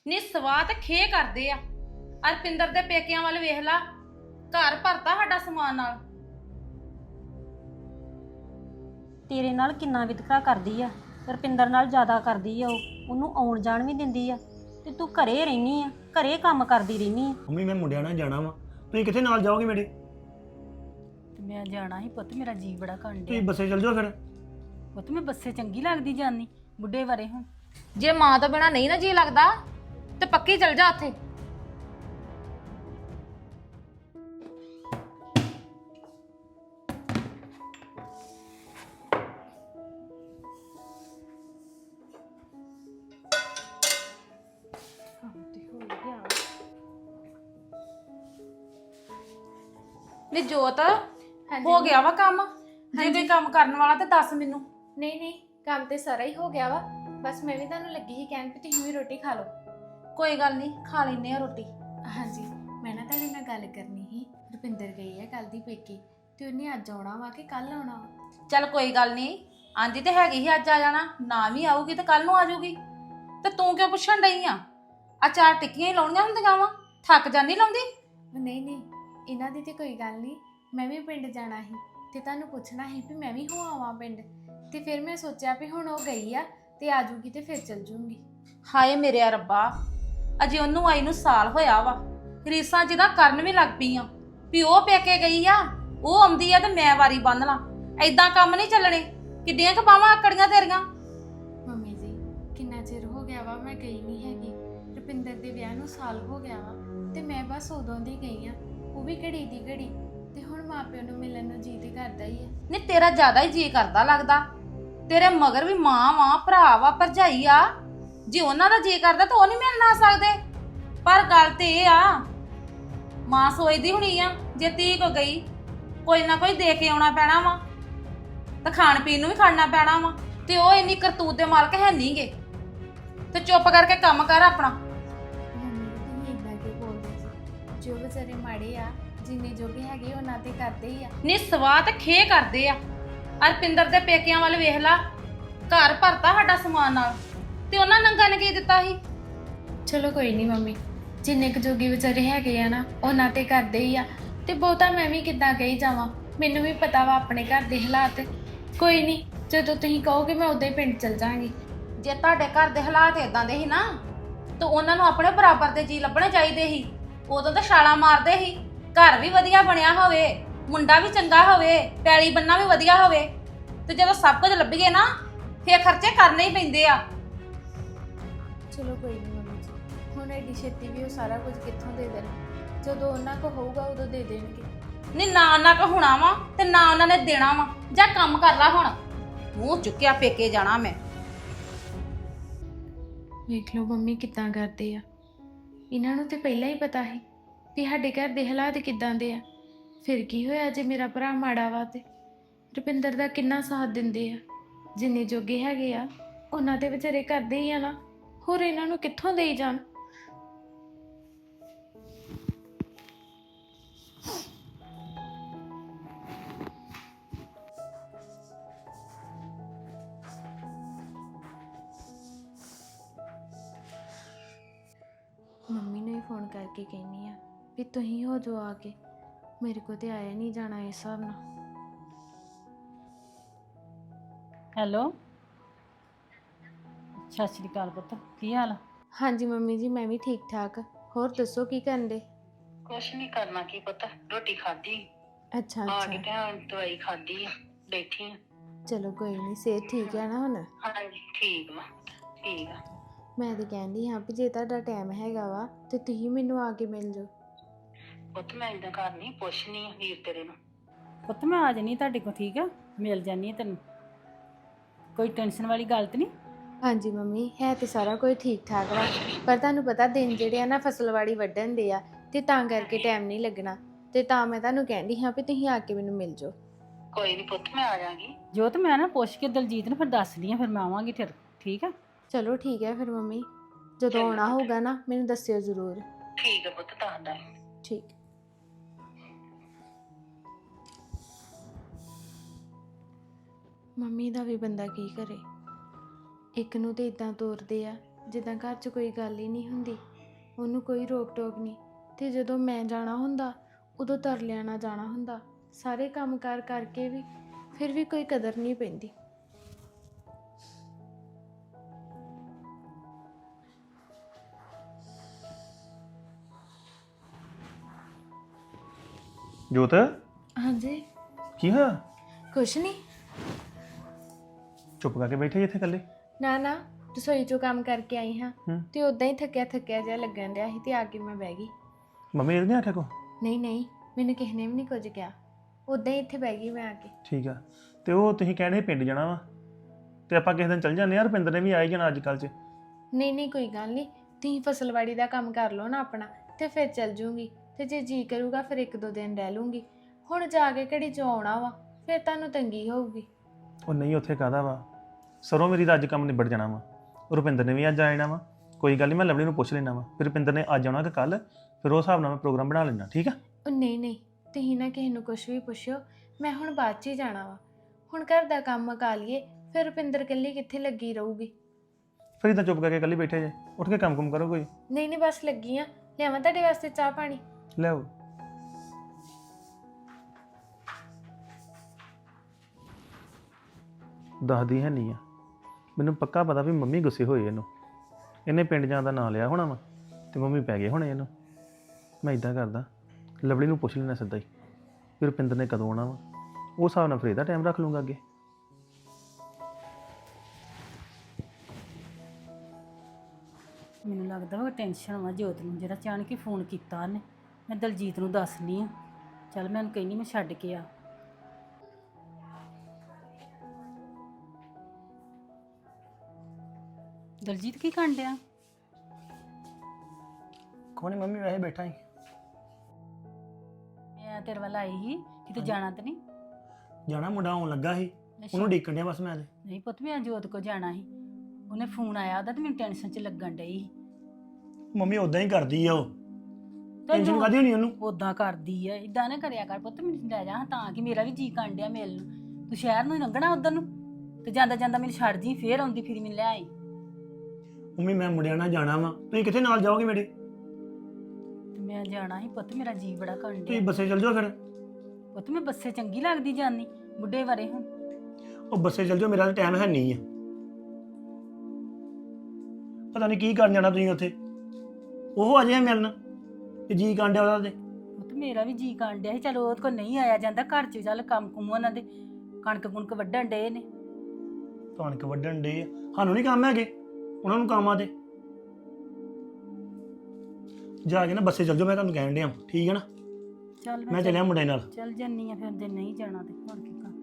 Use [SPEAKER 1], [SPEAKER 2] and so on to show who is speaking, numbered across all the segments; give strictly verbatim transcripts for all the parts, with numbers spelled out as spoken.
[SPEAKER 1] ਨੀ ਸਵਾਹ ਤੇ ਖੇ ਕਰਦੇ ਆ। ਅਰਪਿੰਦਰ ਦੇ ਪੇਕਿਆਂ ਵੱਲ ਵੇਖ ਲਾ, ਘਰ ਭਰਤਾ ਸਾਡਾ ਸਮਾਨ ਨਾਲ।
[SPEAKER 2] ਤੇਰੇ ਨਾਲ ਕਿੰਨਾ ਵਿਤਕਰਾ ਕਰਦੀ ਆ, ਰੁਪਿੰਦਰ ਨਾਲ ਜ਼ਿਆਦਾ ਕਰਦੀ ਆ। ਉਹ ਉਹਨੂੰ ਆਉਣ ਜਾਣ ਵੀ ਦਿੰਦੀ ਆ ਤੇ ਤੂੰ ਘਰੇ ਰਹਿਨੀ ਆ, ਘਰੇ ਕੰਮ ਕਰਦੀ ਰਹਿਨੀ ਆ।
[SPEAKER 3] ਮੰਮੀ ਮੈਂ ਮੁੰਡਿਆਂ ਨਾਲ ਜਾਣਾ ਵਾ, ਤੁਸੀਂ ਕਿੱਥੇ ਨਾਲ ਜਾਓਗੇ ਮੇਰੇ?
[SPEAKER 4] ਤੇ ਮੈਂ ਜਾਣਾ ਸੀ ਪੁੱਤ, ਮੇਰਾ ਜੀ ਬੜਾ ਕਰਨ
[SPEAKER 3] ਤੁਸੀਂ
[SPEAKER 4] ਡਿਆ
[SPEAKER 3] ਬੱਸੇ ਚੱਲ ਜਾਓ ਫਿਰ।
[SPEAKER 4] ਪੁੱਤ। ਮੈਂ ਬੱਸੇ ਚੰਗੀ ਲੱਗਦੀ ਜਾਨੀ ਬੁੱਢੇ ਬਾਰੇ ਹੁਣ।
[SPEAKER 1] ਜੇ ਮਾਂ ਤੋਂ ਬਿਨਾ ਨਹੀਂ ਨਾ ਜੀ ਲੱਗਦਾ ਤੇ ਪੱਕੀ ਚਲ ਜਾ ਉੱਥੇ। ਨੀ ਜੋਤ, ਹੋ ਗਿਆ ਵਾ ਕੰਮ? ਜੇ ਕੋਈ ਕੰਮ ਕਰਨ ਵਾਲਾ ਤੇ ਦੱਸ ਮੈਨੂੰ।
[SPEAKER 5] ਨਹੀਂ ਨਹੀਂ, ਕੰਮ ਤੇ ਸਾਰਾ ਹੀ ਹੋ ਗਿਆ ਵਾ। ਬਸ ਮੈਂ ਵੀ ਤੁਹਾਨੂੰ ਲੱਗੀ ਸੀ ਕਹਿਣ ਕਿ ਤੁਸੀਂ ਵੀ ਰੋਟੀ ਖਾ ਲਓ।
[SPEAKER 1] ਕੋਈ ਗੱਲ ਨਹੀਂ, ਖਾ ਲੈਨੇ ਆ ਰੋਟੀ।
[SPEAKER 5] ਹਾਂਜੀ, ਮੈਂ ਨਾ ਤੁਹਾਡੇ ਨਾਲ ਗੱਲ ਕਰਨੀ ਸੀ। ਰੁਪਿੰਦਰ ਗਈ ਹੈ ਕੱਲ ਦੀ ਪੇਕੇ, ਤੇ ਉਹਨੇ ਅੱਜ ਆਉਣਾ ਵਾ ਕਿ ਕੱਲ ਆਉਣਾ ਵਾ?
[SPEAKER 1] ਚੱਲ ਕੋਈ ਗੱਲ ਨਹੀਂ, ਆਂਦੀ ਤੇ ਹੈਗੀ ਸੀ ਅੱਜ ਆ ਜਾਣਾ, ਨਾ ਵੀ ਆਊਗੀ ਤੇ ਕੱਲ ਨੂੰ ਆ ਜਾਊਗੀ। ਤੇ ਤੂੰ ਕਿਉਂ ਪੁੱਛਣ ਡਈ ਆ? ਆ ਚਾਰ ਟਿੱਕੀਆਂ ਹੀ ਲਾਉਣੀਆਂ ਹੁੰਦੀਆਂ ਵਾ, ਥੱਕ ਜਾਂਦੀ ਲਾਉਂਦੀ?
[SPEAKER 5] ਨਹੀਂ ਨਹੀਂ, ਇਹਨਾਂ ਦੀ ਤੇ ਕੋਈ ਗੱਲ ਨਹੀਂ। ਮੈਂ ਵੀ ਪਿੰਡ ਜਾਣਾ ਸੀ ਤੇ ਤੁਹਾਨੂੰ ਪੁੱਛਣਾ ਸੀ ਵੀ ਮੈਂ ਵੀ ਹੋ ਆਵਾਂ ਪਿੰਡ। ਤੇ ਫਿਰ ਮੈਂ ਸੋਚਿਆ ਵੀ ਹੁਣ ਉਹ ਗਈ ਆ ਤੇ ਆ ਜੂਗੀ ਤੇ ਫਿਰ ਚਲ ਜੂੰਗੀ।
[SPEAKER 1] ਹਾਏ ਮੇਰੇ ਰੱਬਾ, ਅਜੇ ਉਹਨੂੰ ਆਈ ਨੂੰ ਸਾਲ ਹੋਇਆ ਵਾ। ਰੀਸਾਂ ਜਿਹਦਾ ਕਰਨ ਵੀ ਲੱਗ ਪਈ ਆ ਵੀ ਉਹ ਪੇਕੇ ਗਈ ਆ, ਉਹ ਆਉਂਦੀ ਆ ਤੇ ਮੈਂ ਵਾਰੀ ਬੰਨ ਲਾਂ। ਐਦਾਂ ਕੰਮ ਨਹੀਂ ਚੱਲਣੇ। ਕਿੱਡੀਆਂ ਕਪਾਵਾਂ ਆਕੜੀਆਂ ਤੇਰੀਆਂ।
[SPEAKER 5] ਮੰਮੀ ਜੀ, ਕਿੰਨਾ ਚਿਰ ਹੋ ਗਿਆ ਵਾ ਮੈਂ ਗਈ ਨਹੀਂ ਹੈਗੀ। ਰੁਪਿੰਦਰ ਦੇ ਵਿਆਹ ਨੂੰ ਸਾਲ ਹੋ ਗਿਆ ਵਾ ਤੇ ਮੈਂ ਬਸ ਉਦੋਂ ਦੀ ਗਈ ਆ, ਉਹ ਵੀ ਘੜੀ ਦੀ ਘੜੀ। ਤੇ ਹੁਣ ਮਾਪਿਆਂ ਨੂੰ ਮਿਲਣ ਨੂੰ ਜੀ ਤੇ ਕਰਦਾ ਹੀ ਆ।
[SPEAKER 1] ਨਹੀਂ ਤੇਰਾ ਜ਼ਿਆਦਾ ਹੀ ਜੀ ਕਰਦਾ ਲੱਗਦਾ। ਤੇਰੇ ਮਗਰ ਵੀ ਮਾਂ ਵਾ, ਭਰਾ ਵਾ, ਭਰਜਾਈ ਆ। ਜੇ ਉਹਨਾਂ ਦਾ ਜੀ ਕਰਦਾ ਤਾਂ ਉਹ ਨਹੀਂ ਮਿਲਣ ਆ ਸਕਦੇ। ਪਰ ਗੱਲ ਤੇ ਇਹ ਆ, ਮਾਂ ਸੋਚਦੀ ਹੁਣੀ ਆ ਜੇ ਧੀ ਕੋ ਗਈ ਕੋਈ ਨਾ ਕੋਈ ਦੇ ਕੇ ਆਉਣਾ ਪੈਣਾ ਵਾ, ਤਾਂ ਖਾਣ ਪੀਣ ਨੂੰ ਵੀ ਖੜਨਾ ਪੈਣਾ ਵਾ। ਤੇ ਉਹ ਇੰਨੀ ਕਰਤੂਤ ਦੇ ਮਾਲਕ ਹੈ ਨਹੀਂਗੇ। ਤੇ ਚੁੱਪ ਕਰਕੇ ਕੰਮ ਕਰ ਆਪਣਾ।
[SPEAKER 5] ਮੰਮੀ ਤੁਸੀਂ ਇੰਨਾ ਕਿਉਂ ਬੋਲਦੇ ਸੀ? ਜੋ ਵਿਚਾਰੇ ਮਾੜੇ ਆ, ਜਿੰਨੇ ਜੋਗੇ ਹੈਗੇ ਉਹਨਾਂ ਤੇ ਕਰਦੇ ਹੀ ਆ।
[SPEAKER 1] ਨੀ ਸਵਾਹ ਤੇ ਖੇ ਕਰਦੇ ਆ। ਅਰਪਿੰਦਰ ਦੇ ਪੇਕਿਆਂ ਵੱਲ ਵੇਖ ਲਾ, ਘਰ ਭਰਤਾ ਸਾਡਾ ਸਮਾਨ ਨਾਲ। ਤੇ ਉਹਨਾਂ ਨੰਗਾ ਨੇ ਕੀ ਦਿੱਤਾ ਸੀ?
[SPEAKER 5] ਚਲੋ ਕੋਈ ਨਹੀਂ ਮੰਮੀ, ਜਿੰਨੇ ਕੁ ਜੋਗੀ ਵਿਚਾਰੇ ਹੈਗੇ ਆ ਨਾ ਉਹਨਾਂ ਤੇ ਕਰਦੇ ਹੀ ਆ। ਤੇ ਬਹੁਤਾ ਮੈਂ ਵੀ ਕਿੱਦਾਂ ਕਹੀ ਜਾਵਾਂ, ਮੈਨੂੰ ਵੀ ਪਤਾ ਵਾ ਆਪਣੇ ਘਰ ਦੇ ਹਾਲਾਤ। ਕੋਈ ਨਹੀਂ, ਜਦੋਂ ਤੁਸੀਂ ਕਹੋਗੇ ਮੈਂ ਉਦੋਂ ਹੀ ਪਿੰਡ ਚਲ ਜਾਵਾਂਗੀ।
[SPEAKER 1] ਜੇ ਤੁਹਾਡੇ ਘਰ ਦੇ ਹਾਲਾਤ ਇਦਾਂ ਦੇ ਸੀ ਨਾ, ਤਾਂ ਉਹਨਾਂ ਨੂੰ ਆਪਣੇ ਬਰਾਬਰ ਦੇ ਜੀ ਲੱਭਣੇ ਚਾਹੀਦੇ ਸੀ। ਉਦੋਂ ਤਾਂ ਛਾਲਾਂ ਮਾਰਦੇ ਸੀ। ਘਰ ਵੀ ਵਧੀਆ ਬਣਿਆ ਹੋਵੇ, ਮੁੰਡਾ ਵੀ ਚੰਗਾ ਹੋਵੇ, ਪੈਲੀ ਬੰਨਾ ਵੀ ਵਧੀਆ ਹੋਵੇ। ਤੇ ਜਦੋਂ ਸਭ ਕੁਝ ਲੱਭੀਏ ਨਾ, ਫੇਰ ਖਰਚੇ ਕਰਨੇ ਹੀ ਪੈਂਦੇ ਆ।
[SPEAKER 5] ਚਲੋ ਕੋਈ ਨਹੀਂ ਮੰਮੀ ਜੀ, ਹੁਣ ਐਡੀ ਛੇਤੀ ਵੀ ਉਹ ਸਾਰਾ ਕੁਝ ਕਿੱਥੋਂ ਦੇ ਦੇਣ? ਜਦੋਂ ਉਹਨਾਂ ਕੋ ਹੋਊਗਾ ਉਦੋਂ ਦੇ ਦੇਣਗੇ।
[SPEAKER 1] ਨਹੀਂ ਨਾ ਉਹਨਾਂ ਕੋ ਹੋਣਾ ਵਾ ਤੇ ਨਾ ਉਹਨਾਂ ਨੇ ਦੇਣਾ ਵਾ। ਜਾਂ ਕੰਮ ਕਰ ਲੈ ਹੁਣ, ਮੂੰਹ ਚੁੱਕਿਆ ਪੇਕੇ ਜਾਣਾ ਮੈਂ।
[SPEAKER 5] ਵੇਖ ਲਓ ਮੰਮੀ ਕਿੱਦਾਂ ਕਰਦੇ ਆ। ਇਹਨਾਂ ਨੂੰ ਤੇ ਪਹਿਲਾਂ ਹੀ ਪਤਾ ਸੀ ਵੀ ਸਾਡੇ ਘਰ ਦੇ ਹਾਲਾਤ ਕਿੱਦਾਂ ਦੇ ਆ। ਫਿਰ ਕੀ ਹੋਇਆ ਜੇ ਮੇਰਾ ਭਰਾ ਮਾੜਾ ਵਾ? ਤੇ ਰੁਪਿੰਦਰ ਦਾ ਕਿੰਨਾ ਸਾਥ ਦਿੰਦੇ ਆ। ਜਿੰਨੇ ਜੋਗੇ ਹੈਗੇ ਆ ਉਹਨਾਂ ਦੇ ਵਿਚਾਰੇ ਕਰਦੇ ਹੀ ਆ ਨਾ, ਹੋਰ ਇਹਨਾਂ ਨੂੰ ਕਿੱਥੋਂ ਦੇਈ ਜਾਣ? ਮੰਮੀ ਨੂੰ ਹੀ ਫੋਨ ਕਰਕੇ ਕਹਿੰਦੀ ਆ ਵੀ ਤੁਸੀਂ ਹੋ ਜੋ ਆ ਕੇ। ਮੇਰੇ ਕੋ ਤੇ ਆਇਆ ਨਹੀਂ ਜਾਣਾ ਇਸ ਹਿਸਾਬ ਨਾਲ।
[SPEAKER 4] ਹੈਲੋ, ਸਤਿ ਸ਼੍ਰੀ ਅਕਾਲ ਪੁੱਤ, ਕੀ ਹਾਲ ਆ?
[SPEAKER 5] ਹਾਂਜੀ ਮੰਮੀ ਜੀ, ਮੈਂ ਵੀ ਠੀਕ ਠਾਕ। ਹੋਰ ਦੱਸੋ ਕੀ ਕਰਨ ਦੇ?
[SPEAKER 6] ਕੁਛ ਨਹੀਂ ਕਰਨਾ ਕੀ ਪਤਾ, ਰੋਟੀ ਖਾਧੀ
[SPEAKER 5] ਅੱਛਾ
[SPEAKER 6] ਆ ਕੇ
[SPEAKER 5] ਅੱਛਾ,
[SPEAKER 6] ਤੇ ਹੁਣ ਦਵਾਈ ਖਾਧੀ ਆ, ਬੈਠੀ ਆ।
[SPEAKER 5] ਚਲੋ ਕੋਈ ਨਹੀਂ, ਸਿਹਤ ਠੀਕ ਹੈ ਨਾ ਹੁਣ?
[SPEAKER 6] ਹਾਂਜੀ ਠੀਕ ਵਾ, ਠੀਕ ਆ।
[SPEAKER 5] ਮੈਂ ਤੇ ਕਹਿੰਦੀ ਹਾਂ ਵੀ ਜੇ ਤੁਹਾਡਾ ਟਾਈਮ ਹੈਗਾ ਵਾ ਤੇ ਤੁਸੀਂ ਮੈਨੂੰ ਆ ਕੇ ਮਿਲ ਜਾਓ।
[SPEAKER 6] ਪੁੱਤ ਮੈਂ ਇਦਾਂ ਕਰਨੀ, ਪੁੱਛਣੀ ਆ ਵੀਰ ਤੇਰੇ ਨੂੰ।
[SPEAKER 4] ਪੁੱਤ ਮੈਂ ਆ ਜਾਨੀ ਤੁਹਾਡੇ ਕੋਲ, ਠੀਕ ਆ? ਮਿਲ ਜਾਨੀ ਆ ਤੈਨੂੰ। ਕੋਈ ਟੈਨਸ਼ਨ ਵਾਲੀ ਗੱਲ ਤੇ ਨਹੀਂ?
[SPEAKER 5] ਹਾਂਜੀ ਮੰਮੀ, ਹੈ ਤੇ ਸਾਰਾ ਕੁਝ ਠੀਕ ਠਾਕ ਵਾ, ਪਰ ਤੁਹਾਨੂੰ ਪਤਾ ਦਿਨ ਜਿਹੜੇ ਆ ਨਾ ਫਸਲਵਾੜੀ ਵੱਢਣ ਦੇ ਆ, ਤੇ ਤਾਂ ਕਰਕੇ ਟਾਈਮ ਨਹੀਂ ਲੱਗਣਾ। ਤੇ ਤਾਂ ਮੈਂ ਤੁਹਾਨੂੰ ਕਹਿੰਦੀ ਹਾਂ ਵੀ ਤੁਸੀਂ ਆ ਕੇ ਮੈਨੂੰ ਮਿਲ ਜਾਓ।
[SPEAKER 6] ਕੋਈ ਨਹੀਂ ਪੁੱਤ, ਮੈਂ ਆ ਜਾਾਂਗੀ।
[SPEAKER 4] ਜੋਤ ਮੈਂ ਨਾ ਪੁੱਛ ਕੇ ਦਲਜੀਤ ਨੂੰ ਫਿਰ ਦੱਸਦੀ ਆ, ਫਿਰ ਮੈਂ ਆਵਾਂਗੀ ਫਿਰ, ਠੀਕ ਆ?
[SPEAKER 5] ਚਲੋ ਠੀਕ ਹੈ ਫਿਰ ਮੰਮੀ, ਜਦੋਂ ਆਉਣਾ ਹੋਊਗਾ ਨਾ ਮੈਨੂੰ ਦੱਸਿਓ ਜ਼ਰੂਰ।
[SPEAKER 6] ਠੀਕ ਆ ਪੁੱਤ, ਦੱਸਦਾ।
[SPEAKER 5] ਠੀਕ। ਮੰਮੀ ਦਾ ਵੀ ਬੰਦਾ ਕੀ ਕਰੇ, ਇੱਕ ਨੂੰ ਤੇ ਇਦਾਂ ਤੋਰਦੇ ਆ ਜਿੱਦਾਂ ਘਰ 'ਚ ਕੋਈ ਗੱਲ ਹੀ ਨਹੀਂ ਹੁੰਦੀ, ਉਹਨੂੰ ਕੋਈ ਰੋਕ ਟੋਕ ਨਹੀਂ। ਤੇ ਜਦੋਂ ਮੈਂ ਜਾਣਾ ਹੁੰਦਾ ਉਦੋਂ ਤਰ ਲਿਆਣਾ ਜਾਣਾ ਹੁੰਦਾ, ਸਾਰੇ ਕੰਮ ਕਾਰ ਕਰਕੇ ਵੀ ਫਿਰ ਵੀ ਕੋਈ ਕਦਰ ਨਹੀਂ ਪੈਂਦੀ।
[SPEAKER 3] ਜੋਤ
[SPEAKER 5] ਹਾਂਜੀ,
[SPEAKER 3] ਕੀ ਹੋਇਆ?
[SPEAKER 5] ਕੁਛ ਨਹੀਂ।
[SPEAKER 3] ਚੁੱਪ ਕਰਕੇ ਬੈਠੇ ਇੱਥੇ ਇਕੱਲੇ?
[SPEAKER 5] ਨਾ ਨਾ, ਰਸੋਈ 'ਚੋਂ ਕੰਮ ਕਰਕੇ ਆਈ ਹਾਂ
[SPEAKER 3] ਹੂੰ।
[SPEAKER 5] ਤੇ ਉਦਾਂ ਹੀ ਥੱਕਿਆ ਥੱਕਿਆ ਜਿਹਾ ਲੱਗਣ ਡਿਆ ਸੀ ਤੇ ਆ ਕੇ ਮੈਂ ਬਹਿ ਗਈ।
[SPEAKER 3] ਮੰਮੀ ਇਹਦੇ ਨਹੀਂ ਆਖਿਆ ਕੋ?
[SPEAKER 5] ਨਹੀਂ ਨਹੀਂ, ਮੈਨੂੰ ਕਿਸੇ ਨੇ ਵੀ ਨਹੀਂ ਕੁਝ ਕਿਹਾ, ਉਦਾਂ ਹੀ ਇੱਥੇ ਬਹਿ ਗਈ ਮੈਂ ਆ ਕੇ।
[SPEAKER 3] ਠੀਕ ਆ। ਤੇ ਉਹ ਤੁਸੀਂ ਕਹਿੰਦੇ ਪਿੰਡ ਜਾਣਾ ਵਾ ਤੇ ਆਪਾਂ ਕਿਸੇ ਦਿਨ ਚੱਲ ਜਾਂਦੇ ਆ। ਰੁਪਿੰਦਰ ਨੇ ਵੀ ਆਈ ਜਾਣਾ ਅੱਜ ਕੱਲ੍ਹ 'ਚ।
[SPEAKER 5] ਨਹੀਂ ਨਹੀਂ, ਕੋਈ ਗੱਲ ਨਹੀਂ, ਤੁਸੀਂ ਫਸਲਵਾੜੀ ਦਾ ਕੰਮ ਕਰ ਲਓ ਨਾ ਆਪਣਾ ਤੇ ਫਿਰ ਚੱਲ ਜੂੰਗੀ। ਤੇ ਜੇ ਜੀ ਕਰੂਗਾ ਫਿਰ ਇੱਕ ਦੋ ਦਿਨ ਰਹਿ ਲੂੰਗੀ। ਹੁਣ ਜਾ ਕੇ ਘੜੀ 'ਚ ਆਉਣਾ ਵਾ, ਫਿਰ ਤੁਹਾਨੂੰ ਤੰਗੀ ਹੋਊਗੀ।
[SPEAKER 3] ਉਹ ਨਹੀਂ, ਉੱਥੇ ਕਾਹਦਾ ਵਾ, ਸਰੋਂ ਮੇਰੀ ਦਾ ਅੱਜ ਕੰਮ ਨਿਬੜ ਜਾਣਾ ਵਾ। ਰੁਪਿੰਦਰ ਨੇ ਵੀ ਅੱਜ ਆ ਜਾਣਾ ਵਾ। ਕੋਈ ਗੱਲ ਨਹੀਂ, ਮੈਂ ਲਵਲੀ ਨੂੰ ਪੁੱਛ ਲੈਣਾ ਵਾ। ਫਿਰ ਰੁਪਿੰਦਰ ਨੇ ਅੱਜ ਆਉਣਾ ਕਿ ਕੱਲ੍ਹ, ਫਿਰ ਉਸ ਹਿਸਾਬ ਨਾਲ ਮੈਂ ਪ੍ਰੋਗਰਾਮ ਬਣਾ ਲੈਣਾ। ਠੀਕ ਆ?
[SPEAKER 5] ਉਹ ਨਹੀਂ ਨਹੀਂ, ਤੁਸੀਂ ਨਾ ਕਿਸੇ ਨੂੰ ਕੁਛ ਵੀ ਪੁੱਛਿਓ, ਮੈਂ ਹੁਣ ਬਾਅਦ 'ਚ ਹੀ ਜਾਣਾ ਵਾ। ਹੁਣ ਘਰ ਦਾ ਕੰਮ ਮੁਕਾ ਲਈਏ, ਫਿਰ ਰੁਪਿੰਦਰ ਇਕੱਲੀ ਕਿੱਥੇ ਲੱਗੀ ਰਹੂਗੀ।
[SPEAKER 3] ਫਿਰ ਇਦਾਂ ਚੁੱਪ ਕਰਕੇ ਇਕੱਲੀ ਬੈਠੇ ਜੇ, ਉੱਠ ਕੇ ਕੰਮ ਕੁਮ ਕਰੋ ਕੋਈ।
[SPEAKER 5] ਨਹੀਂ ਨਹੀਂ, ਬਸ ਲੱਗੀ ਆ। ਲਿਆਵਾਂ ਤੁਹਾਡੇ ਵਾਸਤੇ ਚਾਹ ਪਾਣੀ?
[SPEAKER 3] ਲਿਆਓ। ਦੱਸਦੀ ਹੈ ਨਹੀਂ ਆ, ਮੈਨੂੰ ਪੱਕਾ ਪਤਾ ਵੀ ਮੰਮੀ ਗੁੱਸੇ ਹੋਏ ਇਹਨੂੰ। ਇਹਨੇ ਪਿੰਡ ਜਾਣ ਦਾ ਨਾਂ ਲਿਆ ਹੋਣਾ ਵਾ ਤੇ ਮੰਮੀ ਪੈ ਗਏ ਹੋਣੇ ਇਹਨੂੰ। ਮੈਂ ਇਦਾਂ ਕਰਦਾ, ਲਵਲੀ ਨੂੰ ਪੁੱਛ ਲੈਣਾ ਸਿੱਧਾ ਹੀ ਵੀ ਰੁਪਿੰਦਰ ਨੇ ਕਦੋਂ ਆਉਣਾ ਵਾ। ਉਸ ਹਿਸਾਬ ਨਾਲ ਫਿਰ ਇਹਦਾ ਟਾਈਮ ਰੱਖ ਲੂੰਗਾ ਅੱਗੇ।
[SPEAKER 4] ਮੈਨੂੰ ਲੱਗਦਾ ਵਾ ਟੈਨਸ਼ਨ ਵਾ ਜੋਤ ਨੂੰ, ਜਿਹੜਾ ਅਚਾਨਕ ਹੀ ਫੋਨ ਕੀਤਾ ਉਹਨੇ। ਮੈਂ ਦਲਜੀਤ ਨੂੰ ਦੱਸਣੀ ਆ। ਚੱਲ ਮੈਂ ਉਹਨੂੰ ਕਹਿੰਦੀ ਮੈਂ ਛੱਡ ਕੇ ਆ। ਦਲਜੀਤ ਕੀ ਕਰਨ ਡਿਆ?
[SPEAKER 3] ਕੋਣੀ ਮੰਮੀ, ਵੈਸੇ ਬੈਠਾ ਹੀ।
[SPEAKER 4] ਮੈਂ ਤੇਰੇ ਵੱਲ ਆਈ ਸੀ, ਕਿਤੇ ਜਾਣਾ ਤਾਂ ਨਹੀਂ?
[SPEAKER 3] ਜਾਣਾ, ਮੁੰਡਾ ਆਉਣ ਲੱਗਾ ਸੀ, ਉਹਨੂੰ ਡੀਕਣ ਡਿਆ ਬਸ ਮੈਂ ਤੇ।
[SPEAKER 4] ਨਹੀਂ ਪੁੱਤ, ਮੈਂ ਜੋਤ ਕੋ ਜਾਣਾ ਸੀ। ਉਹਨੇ ਫੋਨ ਆਇਆ ਉਹਦਾ ਤੇ ਮੈਨੂੰ ਟੈਨਸ਼ਨ 'ਚ ਲੱਗਣ ਡਈ ਸੀ।
[SPEAKER 3] ਮੰਮੀ ਉਦਾਂ ਹੀ ਕਰਦੀ ਆ ਉਹ, ਟੈਨਸ਼ਨ ਕਾਹਦੀ ਹੋਣੀ ਉਹਨੂੰ?
[SPEAKER 4] ਉਦਾਂ ਕਰਦੀ ਆ, ਇਦਾਂ ਨਾ ਕਰਿਆ ਕਰ ਪੁੱਤ। ਮੈਨੂੰ ਲੈ ਜਾ ਤਾਂ ਕਿ ਮੇਰਾ ਵੀ ਜੀ ਕਰਨ ਡਿਆ ਮਿਲਣ ਨੂੰ। ਤੂੰ ਸ਼ਹਿਰ ਨੂੰ ਹੀ ਲੰਘਣਾ ਉਧਰ ਨੂੰ, ਤੇ ਜਾਂਦਾ ਜਾਂਦਾ ਮੈਨੂੰ ਛੱਡ ਜੀ, ਫੇਰ ਆਉਂਦੀ ਫਿਰ ਮੈਨੂੰ ਲੈ ਆਈ।
[SPEAKER 3] ਮੰਮੀ ਮੈਂ ਮੁੰਡਿਆਂ ਨਾਲ ਜਾਣਾ ਵਾ, ਤੁਸੀਂ ਕਿੱਥੇ ਨਾਲ ਜਾਓਗੇ ਮੇਰੇ?
[SPEAKER 4] ਤੇ ਮੈਂ ਜਾਣਾ ਸੀ ਪੁੱਤ, ਮੇਰਾ ਜੀ ਬੜਾ ਕਰਨ
[SPEAKER 3] ਤੁਸੀਂ
[SPEAKER 4] ਡਿਆ।
[SPEAKER 3] ਬੱਸੇ ਚੱਲ ਜਾਓ ਫਿਰ।
[SPEAKER 4] ਪੁੱਤ ਮੈਂ ਬੱਸੇ ਚੰਗੀ ਲੱਗਦੀ ਜਾਨੀ ਬੁੱਢੇ ਬਾਰੇ ਹੁਣ?
[SPEAKER 3] ਉਹ ਬੱਸੇ ਚੱਲ ਜਾਓ, ਮੇਰਾ ਤਾਂ ਟਾਈਮ ਹੈ ਨਹੀਂ ਆ। ਪਤਾ ਨਹੀਂ ਕੀ ਕਰਨ ਜਾਣਾ ਤੁਸੀਂ ਉੱਥੇ। ਉਹ ਅਜੇ ਮਿਲਣ ਤੇ ਜੀ ਕਾਂਡਿਆ ਉਹਦਾ ਤੇ।
[SPEAKER 4] ਪੁੱਤ ਮੇਰਾ ਵੀ ਜੀ ਕਰਨ ਡਿਆ ਸੀ। ਚਲ ਉਹਦੇ ਕੋਲ ਨਹੀਂ ਆਇਆ ਜਾਂਦਾ, ਘਰ 'ਚ ਚੱਲ ਕੰਮ ਕੁਮ ਉਹਨਾਂ ਦੇ ਕਣਕ ਕੁਣਕ ਵੱਢਣ ਡਏ ਨੇ।
[SPEAKER 3] ਕਣਕ ਵੱਢਣ ਡੇ ਆ, ਸਾਨੂੰ ਨਹੀਂ ਕੰਮ ਹੈਗੇ, ਉਹਨਾਂ ਨੂੰ ਕੰਮ ਆ ਤੇ। ਜਾ ਕੇ ਨਾ ਬੱਸੇ ਚੱਲ ਜਾਓ, ਮੈਂ ਤੁਹਾਨੂੰ ਕਹਿਣ ਡਿਆ, ਠੀਕ ਹੈ ਨਾ?
[SPEAKER 4] ਚੱਲ
[SPEAKER 3] ਮੈਂ ਚੱਲਿਆ ਮੁੰਡੇ ਨਾਲ।
[SPEAKER 4] ਚੱਲ ਜੰਨੀ ਆ ਫਿਰ, ਜੇ ਨਹੀਂ ਜਾਣਾ ਤੇ ਹੋਰ ਕੀ ਕਰ।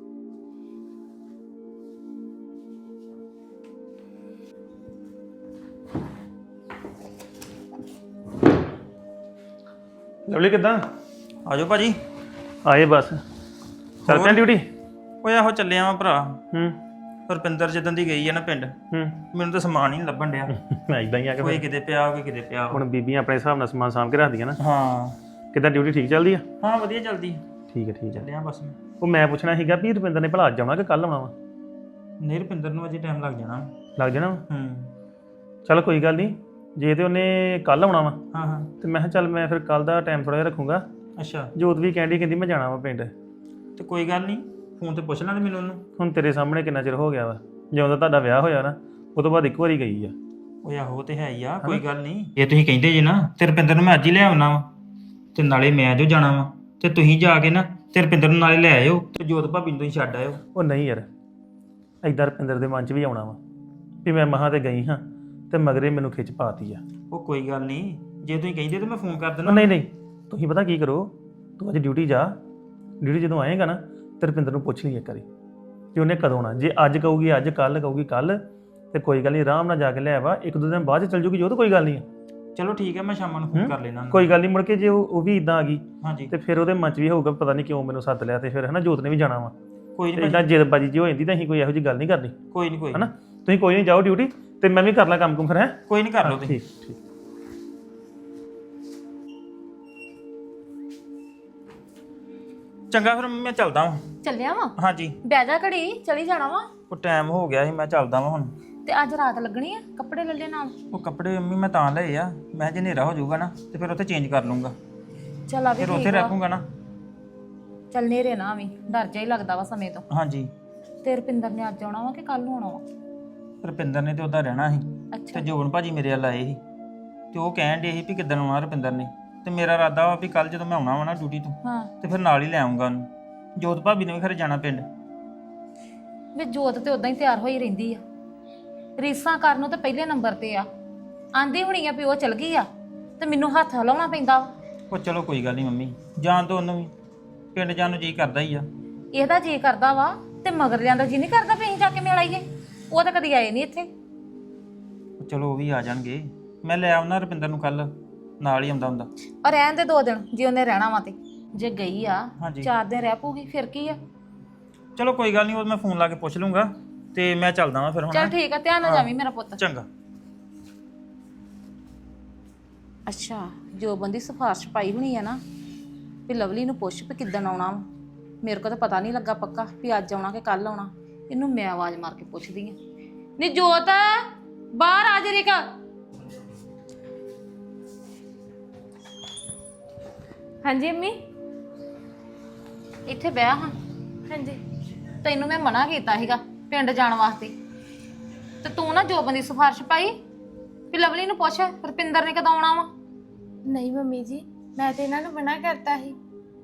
[SPEAKER 3] ਲਵਲੀ ਕਿੱਦਾਂ?
[SPEAKER 7] ਆਜੋ ਭਾਜੀ।
[SPEAKER 3] ਆਏ ਬਸ, ਚੱਲ ਪਿਆ ਡਿਊਟੀ?
[SPEAKER 7] ਓਏ ਆਹੋ ਚੱਲਿਆ ਵਾਂ ਭਰਾ।
[SPEAKER 3] ਹੂੰ।
[SPEAKER 7] ਰੁਪਿੰਦਰ ਜਦੋਂ ਦੀ ਗਈ ਆ ਨਾ ਪਿੰਡ,
[SPEAKER 3] ਹੂੰ।
[SPEAKER 7] ਮੈਨੂੰ ਤਾਂ ਸਮਾਨ ਹੀ ਨੀ ਲੱਭਣ ਡਿਆ।
[SPEAKER 3] ਮੈਂ ਇਦਾਂ ਹੀ ਆ ਕੇ
[SPEAKER 7] ਕੋਈ
[SPEAKER 3] ਫਿਰ।
[SPEAKER 7] ਕਿਤੇ ਪਿਆ, ਕੋਈ ਕਿਤੇ ਪਿਆ।
[SPEAKER 3] ਹੁਣ ਬੀਬੀਆਂ ਆਪਣੇ ਹਿਸਾਬ ਨਾਲ ਸਮਾਨ ਸਾਂਭ ਕੇ ਰੱਖਦੀਆਂ ਨਾ।
[SPEAKER 7] ਹਾਂ
[SPEAKER 3] ਕਿੱਦਾਂ ਡਿਊਟੀ ਠੀਕ ਚੱਲਦੀ ਆ?
[SPEAKER 7] ਹਾਂ ਵਧੀਆ ਚੱਲਦੀ।
[SPEAKER 3] ਠੀਕ ਹੈ ਠੀਕ ਹੈ।
[SPEAKER 7] ਚੱਲਿਆ ਬਸ ਮੈਂ।
[SPEAKER 3] ਉਹ ਮੈਂ ਪੁੱਛਣਾ ਸੀਗਾ ਵੀ ਰੁਪਿੰਦਰ ਨੇ ਭਲਾ ਅੱਜ ਆਉਣਾ ਕਿ ਕੱਲ੍ਹ ਆਉਣਾ ਵਾ?
[SPEAKER 7] ਨਹੀਂ ਰੁਪਿੰਦਰ ਨੂੰ ਅਜੇ ਟਾਈਮ ਲੱਗ ਜਾਣਾ।
[SPEAKER 3] ਲੱਗ ਜਾਣਾ ਵਾ?
[SPEAKER 7] ਹੂੰ।
[SPEAKER 3] ਚੱਲ ਕੋਈ ਗੱਲ ਨਹੀਂ, ਜੇ ਤੇ ਉਹਨੇ ਕੱਲ੍ਹ ਆਉਣਾ ਵਾ
[SPEAKER 7] ਹਾਂ ਹਾਂ।
[SPEAKER 3] ਤੇ ਮੈਂ ਕਿਹਾ ਚੱਲ ਮੈਂ ਫਿਰ ਕੱਲ੍ਹ ਦਾ ਟਾਈਮ ਥੋੜ੍ਹਾ ਜਿਹਾ ਰੱਖੂੰਗਾ।
[SPEAKER 7] ਅੱਛਾ।
[SPEAKER 3] ਜੋਤ ਵੀ ਕਹਿੰਦੀ ਕਹਿੰਦੀ ਮੈਂ ਜਾਣਾ ਵਾ ਪਿੰਡ।
[SPEAKER 7] ਤੇ ਕੋਈ ਗੱਲ ਨਹੀਂ, ਫੋਨ ਤੇ ਪੁੱਛ ਲੈਣਾ ਮੈਨੂੰ ਉਹਨੂੰ।
[SPEAKER 3] ਹੁਣ ਤੇਰੇ ਸਾਹਮਣੇ ਕਿੰਨਾ ਚਿਰ ਹੋ ਗਿਆ ਵਾ, ਜਦੋਂ ਦਾ ਤੁਹਾਡਾ ਵਿਆਹ ਹੋਇਆ ਨਾ ਉਹ ਤੋਂ ਬਾਅਦ ਇੱਕ ਵਾਰੀ ਗਈ ਆ।
[SPEAKER 7] ਓਏ ਆਹੋ ਤੇ ਹੈ ਹੀ ਆ, ਕੋਈ ਗੱਲ ਨਹੀਂ। ਇਹ ਤੁਸੀਂ ਕਹਿੰਦੇ ਜੇ ਨਾ ਤੇ ਰੁਪਿੰਦਰ ਨੂੰ ਮੈਂ ਅੱਜ ਹੀ ਲੈ ਆਉਣਾ ਵਾ, ਤੇ ਨਾਲੇ ਮੈਂ ਜੋ ਜਾਣਾ ਵਾ, ਤੇ ਤੁਸੀਂ ਜਾ ਕੇ ਨਾ ਤੇ ਰੁਪਿੰਦਰ ਨੂੰ ਨਾਲੇ ਲੈ ਆਇਓ, ਤੇ ਜੋਤ ਭਾਬੀ ਨੂੰ ਤੁਸੀਂ ਛੱਡ ਆਇਓ।
[SPEAKER 3] ਉਹ ਨਹੀਂ ਯਾਰ, ਏਦਾਂ ਰੁਪਿੰਦਰ ਦੇ ਮਨ 'ਚ ਵੀ ਆਉਣਾ ਵਾ ਵੀ ਮੈਂ ਮਹਾਂ ਤੇ ਗਈ ਹਾਂ ਤੇ ਮਗਰੇ ਮੈਨੂੰ ਖਿੱਚ ਪਾਤੀ ਆ।
[SPEAKER 7] ਉਹ ਕੋਈ ਗੱਲ ਨਹੀਂ, ਜੇ ਤੁਸੀਂ ਕਹਿੰਦੇ ਤੇ ਮੈਂ ਫੋਨ ਕਰ
[SPEAKER 3] ਉਹ
[SPEAKER 7] ਦਿੰਦਾ।
[SPEAKER 3] ਨਹੀਂ ਨਹੀਂ, ਤੁਸੀਂ ਪਤਾ ਕੀ ਕਰੋ, ਤੂੰ ਅੱਜ ਡਿਊਟੀ ਜਾ, ਡਿਊਟੀ ਜਦੋਂ ਆਏਗਾ ਨਾ ਤੇ ਰੁਪਿੰਦਰ ਨੂੰ ਪੁੱਛ ਲਈ ਇੱਕ ਵਾਰੀ ਕਿ ਉਹਨੇ ਕਦੋਂ ਆਉਣਾ। ਜੇ ਅੱਜ ਕਹੂਗੀ ਅੱਜ, ਕੱਲ੍ਹ ਕਹੂਗੀ ਕੱਲ੍ਹ, ਤੇ ਕੋਈ ਗੱਲ ਨਹੀਂ, ਆਰਾਮ ਨਾਲ ਜਾ ਕੇ ਲੈ ਆਵਾ। ਇੱਕ ਦੋ ਦਿਨ ਬਾਅਦ 'ਚ ਚੱਲ ਜੂਗੀ ਜੋ, ਤਾਂ ਕੋਈ ਗੱਲ ਨਹੀਂ।
[SPEAKER 7] ਚਲੋ ਠੀਕ ਹੈ, ਮੈਂ ਸ਼ਾਮਾਂ ਨੂੰ ਫੋਨ ਕਰ ਲੈਣਾ।
[SPEAKER 3] ਕੋਈ ਗੱਲ ਨਹੀਂ, ਮੁੜ ਕੇ ਜੇ ਉਹ ਉਹ ਵੀ ਇਦਾਂ ਆ ਗਈ
[SPEAKER 7] ਹਾਂਜੀ।
[SPEAKER 3] ਤੇ ਫਿਰ ਉਹਦੇ ਮਨ 'ਚ ਵੀ ਹੋਊਗਾ ਪਤਾ ਨਹੀਂ ਕਿਉਂ ਮੈਨੂੰ ਸੱਦ ਲਿਆ, ਤੇ ਫਿਰ ਹਨਾ ਜੋਤ ਨੇ ਵੀ ਜਾਣਾ ਵਾ।
[SPEAKER 7] ਕੋਈ ਨਹੀਂ
[SPEAKER 3] ਇਦਾਂ ਜਿੱਦਬਾਜੀ ਜੀ ਹੋ ਜਾਂਦੀ ਤਾਂ ਅਸੀਂ ਕੋਈ ਇਹੋ ਜਿਹੀ ਗੱਲ ਨਹੀਂ ਕਰਨੀ,
[SPEAKER 7] ਕੋਈ ਨਹੀਂ ਕੋਈ
[SPEAKER 3] ਹਨਾ? ਤੁਸੀਂ ਕੋਈ ਨਹੀਂ ਜਾਓ ਡਿਊਟੀ, ਤੇ ਮੈਂ ਵੀ ਕਰ ਲਾਂ ਕੰਮ ਕੁਮ ਫਿਰ। ਹੈ
[SPEAKER 7] ਕੋਈ ਨਹੀਂ, ਕਰ ਲਓ ਤੁਸੀਂ।
[SPEAKER 3] ਠੀਕ ਠੀਕ।
[SPEAKER 7] ਚੰਗਾ ਫਿਰ ਮੈਂ ਚੱਲਦਾ ਹਾਂ।
[SPEAKER 5] ਚੱਲਿਆ ਵਾ?
[SPEAKER 7] ਹਾਂਜੀ
[SPEAKER 5] ਬਹਿ ਜਾ ਘੜੀ, ਚਲੀ ਜਾਣਾ ਵਾ।
[SPEAKER 7] ਉਹ ਟਾਈਮ ਹੋ ਗਿਆ ਸੀ, ਮੈਂ ਚੱਲਦਾ ਵਾਂ ਹੁਣ।
[SPEAKER 1] ਤੇ ਅੱਜ ਰਾਤ ਲੱਗਣੀ ਆ ਕੱਪੜੇ ਲੱਲੇ ਨਾਲ।
[SPEAKER 7] ਉਹ ਕੱਪੜੇ ਮੰਮੀ ਮੈਂ ਤਾਂ ਲਏ ਆ, ਮੈਂ ਜੇ ਹਨੇਰਾ ਹੋ ਜਾਊਗਾ ਨਾ ਤੇ ਫਿਰ ਉੱਥੇ ਚੇਂਜ ਕਰ ਲੂੰਗਾ,
[SPEAKER 1] ਚੱਲ ਆ ਵੀ
[SPEAKER 7] ਫਿਰ ਉੱਥੇ
[SPEAKER 1] ਠੀਕ ਆ।
[SPEAKER 7] ਰੱਖੂੰਗਾ ਨਾ।
[SPEAKER 1] ਚੱਲ ਨੇਰੇ ਨਾ ਵੀ ਡਰ ਜਾ ਹੀ ਲੱਗਦਾ ਵਾ ਸਮੇਂ ਤੋਂ।
[SPEAKER 7] ਹਾਂਜੀ
[SPEAKER 1] ਤੇ ਰੁਪਿੰਦਰ ਨੇ ਅੱਜ ਆਉਣਾ ਵਾ ਕਿ ਕੱਲ ਨੂੰ ਆਉਣਾ ਵਾ?
[SPEAKER 7] ਰੁਪਿੰਦਰ ਨੇ ਤੇ ਉੱਦਾਂ ਰਹਿਣਾ ਸੀ
[SPEAKER 1] ਅੱਛਾ
[SPEAKER 7] ਤੇ ਜੋਬਨ ਭਾਜੀ ਮੇਰੇ ਵੱਲ ਆਏ ਸੀ ਤੇ ਉਹ ਕਹਿਣ ਡੇ ਸੀ ਵੀ ਕਿੱਦਣ ਆਉਣਾ ਰੁਪਿੰਦਰ ਨੇ, ਤੇ ਮੇਰਾ ਇਰਾਦਾ ਵਾ ਵੀ ਕੱਲ ਜਦੋਂ ਮੈਂ ਆਉਣਾ ਵਾ ਨਾ ਡਿਊਟੀ ਤੋਂ
[SPEAKER 1] ਹਾਂ।
[SPEAKER 7] ਤੇ ਫਿਰ ਨਾਲ ਹੀ ਲੈ ਆਉਂਗਾ ਉਹਨੂੰ। ਜੋਤ ਭਾਬੀ ਨੇ ਵੀ ਖਰੇ ਜਾਣਾ ਪਿੰਡ।
[SPEAKER 1] ਵੇ ਜੋਤ ਤੇ ਉਦਾਂ ਹੀ ਤਿਆਰ ਹੋਈ ਰਹਿੰਦੀ ਆ, ਰੀਸਾਂ ਕਰਨ ਨੂੰ ਤੇ ਪਹਿਲੇ ਨੰਬਰ ਤੇ ਆ। ਆਂਦੀ ਹੋਣੀ ਆ ਵੀ ਉਹ ਚਲ ਗਈ ਆ ਤੇ ਮੈਨੂੰ ਹੱਥ ਹਿਲਾਉਣਾ ਪੈਂਦਾ ਵਾ।
[SPEAKER 7] ਉਹ ਚਲੋ ਕੋਈ ਗੱਲ ਨਹੀਂ ਮੰਮੀ, ਜਾਣ ਤੋਂ ਉਹਨੂੰ ਵੀ, ਪਿੰਡ ਜਾਣ ਨੂੰ ਜੀ ਕਰਦਾ ਹੀ ਆ।
[SPEAKER 1] ਇਹਦਾ ਜੀ ਕਰਦਾ ਵਾ ਤੇ ਮਗਰ ਲਿਆਂਦਾ ਜੀ ਨਹੀਂ ਕਰਦਾ ਵੀ ਅਸੀਂ ਜਾ ਕੇ ਮਿਲ ਆਈਏ। ਉਹ ਤਾਂ ਕਦੀ ਆਏ ਨਹੀਂ ਇੱਥੇ।
[SPEAKER 7] ਉਹ ਚਲੋ ਉਹ ਵੀ ਆ ਜਾਣਗੇ, ਮੈਂ ਲੈ ਆਉਣਾ ਰੁਪਿੰਦਰ ਨੂੰ ਕੱਲ, ਨਾਲ ਹੀ ਆਉਂਦਾ ਹੁੰਦਾ।
[SPEAKER 1] ਔਰ ਰਹਿਣ ਦੇ ਦੋ ਦਿਨ ਜੇ ਉਹਨੇ ਰਹਿਣਾ ਵਾ ਤੇ। ਜੇ ਗਈ ਆ
[SPEAKER 7] ਹਾਂਜੀ।
[SPEAKER 1] ਚਾਰ ਦਿਨ ਰਹਿ ਪਊਗੀ ਫਿਰ ਕੀ ਆ।
[SPEAKER 7] ਚਲੋ ਕੋਈ ਗੱਲ ਨਹੀਂ, ਉਹ ਮੈਂ ਫੋਨ ਲਾ ਕੇ ਪੁੱਛ ਲੂੰਗਾ ਤੇ ਮੈਂ ਚੱਲਦਾ ਵਾਂ ਫਿਰ ਹੁਣ।
[SPEAKER 1] ਚੱਲ ਠੀਕ ਆ, ਧਿਆਨ ਨਾਲ ਜਾਵੀਂ ਮੇਰਾ ਪੁੱਤ।
[SPEAKER 7] ਚੰਗਾ।
[SPEAKER 1] ਅੱਛਾ ਜੋ ਬੰਦੀ ਸਿਫਾਰਿਸ਼ ਪਾਈ ਹੋਣੀ ਆ ਨਾ ਵੀ ਲਵਲੀ ਨੂੰ ਪੁੱਛ ਵੀ ਕਿੱਦਣ ਆਉਣਾ ਵਾ। ਮੇਰੇ ਕੋਲ ਤਾਂ ਪਤਾ ਨਹੀਂ ਲੱਗਾ ਪੱਕਾ ਵੀ ਅੱਜ ਆਉਣਾ ਕਿ ਕੱਲ ਆਉਣਾ। ਇਹਨੂੰ ਮੈਂ ਆਵਾਜ਼ ਮਾਰ ਕੇ ਪੁੱਛਦੀ ਆ। ਨੀ ਜੋਤ ਬਾਹਰ ਆ ਜਰੀ ਕਾ।
[SPEAKER 5] ਹਾਂਜੀ ਅੰਮੀ।
[SPEAKER 1] ਇੱਥੇ ਬਹਿ ਹਾਂ।
[SPEAKER 5] ਹਾਂਜੀ।
[SPEAKER 1] ਤੈਨੂੰ ਮੈਂ ਮਨਾ ਕੀਤਾ ਸੀਗਾ ਪਿੰਡ ਜਾਣ ਵਾਸਤੇ, ਤੇ ਤੂੰ ਨਾ ਜੋਬਨ ਦੀ ਸਿਫਾਰਿਸ਼ ਪਾਈ ਵੀ ਲਵਲੀ ਨੂੰ ਪੁੱਛ ਰੁਪਿੰਦਰ ਨੇ ਕਦੋਂ ਆਉਣਾ ਵਾ।
[SPEAKER 5] ਨਹੀਂ ਮੰਮੀ ਜੀ, ਮੈਂ ਤੇ ਇਹਨਾਂ ਨੂੰ ਮਨਾ ਕਰਤਾ ਸੀ।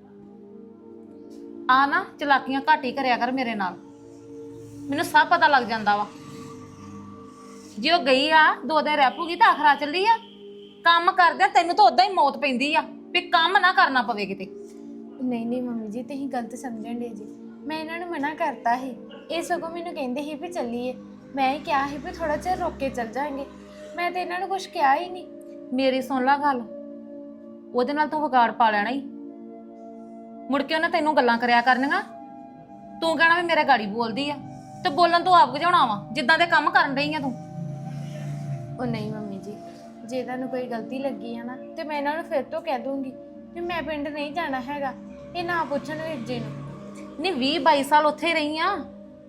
[SPEAKER 1] ਆ ਨਾ ਚਲਾਕੀਆਂ ਘੱਟ ਹੀ ਕਰਿਆ ਕਰ ਮੇਰੇ ਨਾਲ, ਮੈਨੂੰ ਸਭ ਪਤਾ ਲੱਗ ਜਾਂਦਾ ਵਾ। ਜੇ ਉਹ ਗਈ ਆ ਦੋ ਦਿਨ ਰਹਿ ਪੂਗੀ ਤਾਂ ਆਖਰਾ ਚੱਲੀ ਆ। ਕੰਮ ਕਰਦਿਆਂ ਤੈਨੂੰ ਤਾਂ ਉਦਾਂ ਹੀ ਮੌਤ ਪੈਂਦੀ ਆ ਵੀ ਕੰਮ ਨਾ ਕਰਨਾ ਪਵੇ ਕਿਤੇ।
[SPEAKER 5] ਨਹੀਂ ਨਹੀਂ ਮੰਮੀ ਜੀ, ਤੁਸੀਂ ਗਲਤ ਸਮਝਣ ਡੇ ਜੀ। ਮੈਂ ਇਹਨਾਂ ਨੂੰ ਮਨਾ ਕਰਤਾ ਸੀ। ਇਹ ਸਗੋਂ ਮੈਨੂੰ ਕਹਿੰਦੇ ਸੀ ਵੀ ਚੱਲੀਏ। ਮੈਂ ਹੀ ਕਿਹਾ ਸੀ ਵੀ ਥੋੜਾ ਚਿਰ ਰੁਕ ਕੇ ਚੱਲ ਜਾਾਂਗੇ। ਮੈਂ ਤੇ ਇਹਨਾਂ ਨੂੰ ਕੁਝ ਕਿਹਾ ਹੀ ਨਹੀਂ।
[SPEAKER 1] ਮੇਰੀ ਸੁਣ ਲਾ ਗੱਲ, ਉਹਦੇ ਨਾਲ ਤੂੰ ਵਿਗਾੜ ਪਾ ਲੈਣਾ ਹੀ। ਮੁੜ ਕੇ ਉਹਨੇ ਤੈਨੂੰ ਗੱਲਾਂ ਕਰਿਆ ਕਰਨੀਆਂ, ਤੂੰ ਕਹਿਣਾ ਵੀ ਮੇਰੇ ਗਾੜੀ ਬੋਲਦੀ ਆ, ਤੇ ਬੋਲਣ ਤੋਂ ਆਪ ਗਜਾਉਣਾ ਵਾ ਜਿੱਦਾਂ ਦੇ ਕੰਮ ਕਰਨ ਰਹੀ ਆ ਤੂੰ।
[SPEAKER 5] ਉਹ ਨਹੀਂ ਮੰਮੀ ਜੀ, ਜੇ ਤੁਹਾਨੂੰ ਕੋਈ ਗਲਤੀ ਲੱਗੀ ਹੈ ਨਾ ਤੇ ਮੈਂ ਇਹਨਾਂ ਨੂੰ ਫਿਰ ਤੋਂ ਕਹਿ ਦੂੰਗੀ ਵੀ ਮੈਂ ਪਿੰਡ ਨਹੀਂ ਜਾਣਾ ਹੈਗਾ। ਇਹ ਨਾ ਪੁੱਛਣ ਵੀਰ ਜੀ ਨੂੰ।
[SPEAKER 1] ਨਹੀਂ ਵੀਹ ਬਾਈ ਸਾਲ ਉੱਥੇ ਹੀ ਰਹੀ ਆ,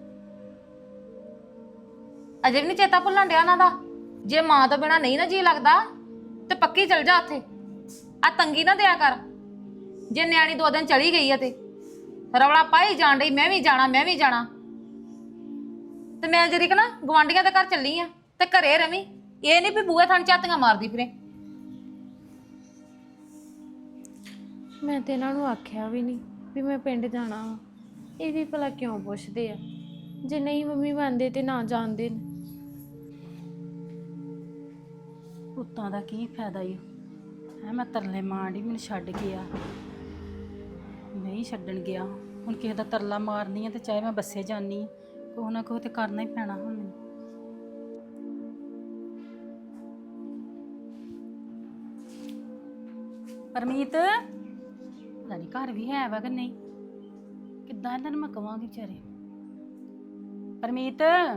[SPEAKER 1] ਅਜੇ ਵੀ ਨਹੀਂ ਚੇਤਾ ਭੁੱਲਣ ਡਿਆ ਉਹਨਾਂ ਦਾ। ਜੇ ਮਾਂ ਤੋਂ ਬਿਨਾ ਨਹੀਂ ਨਾ ਜੀ ਲੱਗਦਾ ਤੇ ਪੱਕੀ ਚਲ ਜਾ ਉੱਥੇ। ਆ ਤੰਗੀ ਨਾ ਦਿਆ ਕਰ। ਜੇ ਨਿਆਣੀ ਦੋ ਦਿਨ ਚਲੀ ਗਈ ਆ ਤੇ ਰੌਲਾ ਪਾਈ ਜਾਣ ਡਈ ਮੈਂ ਵੀ ਜਾਣਾ ਮੈਂ ਵੀ ਜਾਣਾ। ਤੇ ਮੈਂ ਜਿਹੜੀ ਕਿ ਨਾ ਗਵਾਂਢੀਆਂ ਦੇ ਘਰ ਚੱਲੀ ਆ ਤੇ ਘਰੇ ਰਵੀਂ। ਇਹ ਨਹੀਂ ਵੀ ਬੂਹੇ ਥਾਂ ਝਾਤੀਆਂ ਮਾਰਦੀ ਫਿਰੇ।
[SPEAKER 5] ਮੈਂ ਤੇ ਇਹਨਾਂ ਨੂੰ ਆਖਿਆ ਵੀ ਨਹੀਂ ਵੀ ਮੈਂ ਪਿੰਡ ਜਾਣਾ ਵਾ। ਇਹ ਵੀ ਭਲਾ ਕਿਉਂ ਪੁੱਛਦੇ ਆ? ਜੇ ਨਹੀਂ ਮੰਮੀ ਮੰਨਦੇ ਤੇ ਨਾ ਜਾਣਦੇ ਨੇ।
[SPEAKER 4] ਪੁੱਤਾਂ ਦਾ ਕੀ ਫਾਇਦਾ ਈ ਹੈ। ਮੈਂ ਤਰਲੇ ਮਾਰਦੀ ਮੈਨੂੰ ਛੱਡ ਗਿਆ, ਨਹੀਂ ਛੱਡਣ ਗਿਆ। ਹੁਣ ਕਿਸੇ ਦਾ ਤਰਲਾ ਮਾਰਨੀ ਆ ਤੇ ਚਾਹੇ ਮੈਂ ਬੱਸੇ ਜਾਨੀ ਆ, ਕੋਹ ਨਾ ਕੋਹ ਤੇ ਕਰਨਾ ਹੀ ਪੈਣਾ ਹੁਣ ਮੈਨੂੰ। ਪਰਮੀਤ ਪਤਾ ਨਹੀਂ ਘਰ ਵੀ ਹੈ ਵਾ ਕਿ ਨਹੀਂ, ਕਿੱਦਾਂ ਇਹਨਾਂ ਨੂੰ ਮੈਂ ਕਵਾਂਗੀ ਵਿਚਾਰੇ। ਪਰਮੀਤ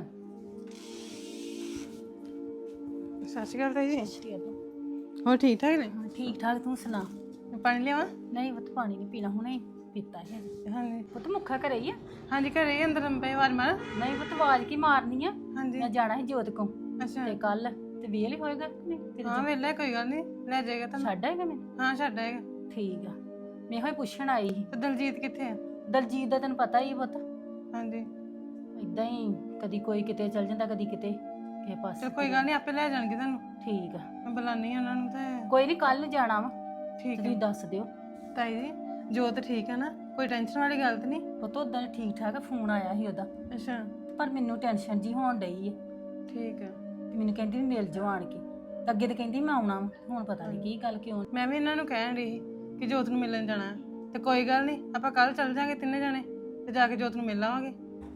[SPEAKER 8] ਸਤਿ ਸ਼੍ਰੀ ਅਕਾਲ ਤਾਈ ਜੀ।
[SPEAKER 4] ਸ਼੍ਰੀ ਅਕਾਲ।
[SPEAKER 8] ਹੋਰ ਠੀਕ ਠਾਕ ਨੇ?
[SPEAKER 4] ਹਾਂ ਠੀਕ ਠਾਕ, ਤੂੰ ਸੁਣਾ?
[SPEAKER 8] ਮੈਂ ਪਾਣੀ ਲਿਆਵਾਂ?
[SPEAKER 4] ਨਹੀਂ ਪੁੱਤ ਪਾਣੀ ਨਹੀਂ ਪੀਣਾ, ਹੁਣੇ ਪੀਤਾ ਹੈ।
[SPEAKER 8] ਹਾਂਜੀ
[SPEAKER 4] ਪੁੱਤ ਮੁੱਖਾ ਘਰੇ ਹੀ ਆ?
[SPEAKER 8] ਹਾਂਜੀ ਘਰੇ ਹੀ ਅੰਦਰ ਅੰਬੇ ਵਾਰ ਮਾਰ।
[SPEAKER 4] ਨਹੀਂ ਪੁੱਤ ਆਵਾਜ਼ ਕੀ ਮਾਰਨੀ ਆ?
[SPEAKER 8] ਹਾਂਜੀ
[SPEAKER 4] ਮੈਂ ਜਾਣਾ ਸੀ ਜੋਤ ਕੋ
[SPEAKER 8] ਅੱਛਾ।
[SPEAKER 4] ਤੇ ਕੱਲ ਤੇ ਵੇਲ ਹੀ ਹੋਏਗਾ ਕਿ ਨਹੀਂ ਤੇਰੇ
[SPEAKER 8] ਹਾਂ
[SPEAKER 4] ਤੋਂ?
[SPEAKER 8] ਵੇਲੇ ਕੋਈ ਗੱਲ ਨਹੀਂ, ਲੈ ਜਾਏਗਾ ਤੁਹਾਨੂੰ।
[SPEAKER 4] ਛੱਡ ਆਏਗਾ ਮੈਂ?
[SPEAKER 8] ਹਾਂ ਛੱਡ ਆਏਗਾ।
[SPEAKER 4] ਠੀਕ ਆ, ਮੈਂ ਹੋਈ ਪੁੱਛਣ ਆਈ ਸੀ।
[SPEAKER 8] ਤੇ ਦਲਜੀਤ ਕਿੱਥੇ ਆ?
[SPEAKER 4] ਦਲਜੀਤ ਦਾ ਤੈਨੂੰ ਪਤਾ ਹੀ ਆ ਪੁੱਤ,
[SPEAKER 8] ਹਾਂਜੀ
[SPEAKER 4] ਇਦਾਂ ਹੀ ਕਦੀ ਕੋਈ ਕਿਤੇ ਚਲ ਜਾਂਦਾ ਕਦੀ ਕਿਤੇ ਕਿਸੇ ਪਾਸੇ।
[SPEAKER 8] ਚਲ ਕੋਈ ਗੱਲ ਨਹੀਂ, ਆਪੇ ਲੈ ਜਾਣਗੇ ਤੁਹਾਨੂੰ।
[SPEAKER 4] ਠੀਕ ਆ,
[SPEAKER 8] ਮੈਂ ਬੁਲਾਨੀ ਆ ਉਹਨਾਂ ਨੂੰ ਤੇ।
[SPEAKER 4] ਕੋਈ ਨਹੀਂ ਕੱਲ ਜਾਣਾ ਵਾ,
[SPEAKER 8] ਠੀਕ
[SPEAKER 4] ਤੁਸੀਂ
[SPEAKER 8] ਹੈ
[SPEAKER 4] ਦੱਸ ਦਿਓ।
[SPEAKER 8] ਤਾਈ ਜੀ, ਜੋਤ ਠੀਕ ਹੈ ਨਾ? ਕੋਈ ਟੈਨਸ਼ਨ ਵਾਲੀ ਗੱਲ ਤੇ ਨਹੀਂ?
[SPEAKER 4] ਪੁੱਤ ਉਦਾਂ ਠੀਕ ਠਾਕ, ਫੋਨ ਆਇਆ ਸੀ ਉਹਦਾ,
[SPEAKER 8] ਅੱਛਾ
[SPEAKER 4] ਪਰ ਮੈਨੂੰ ਟੈਨਸ਼ਨ ਜੀ ਹੋਣ ਡਈ ਆ।
[SPEAKER 8] ਠੀਕ ਹੈ।
[SPEAKER 4] ਤੇ ਮੈਨੂੰ ਕਹਿੰਦੀ ਵੀ ਮਿਲ ਜਾਓ ਆਣ ਕੇ, ਤੇ ਅੱਗੇ ਤੇ ਕਹਿੰਦੀ ਮੈਂ ਆਉਣਾ ਵਾ, ਹੁਣ ਪਤਾ ਨਹੀਂ ਕੀ ਗੱਲ ਕਿਉਂ।
[SPEAKER 8] ਮੈਂ ਵੀ ਇਹਨਾਂ ਨੂੰ ਕਹਿਣ ਰਹੀ ਕਿ ਜੋਤ ਨੂੰ ਮਿਲਣ ਜਾਣਾ ਹੈ। ਤੇ ਕੋਈ ਗੱਲ ਨਹੀਂ, ਆਪਾਂ ਕੱਲ ਚੱਲ ਜਾਾਂਗੇ ਤਿੰਨੇ ਜਾਣੇ ਤੇ ਜਾ ਕੇ ਜੋਤ ਨੂੰ ਮਿਲ ਆਵਾਂਗੇ।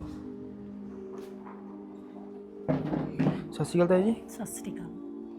[SPEAKER 7] ਸਤਿ ਸ਼੍ਰੀ ਅਕਾਲ ਤਾਈ ਜੀ।
[SPEAKER 4] ਸਤਿ ਸ੍ਰੀ ਅਕਾਲ।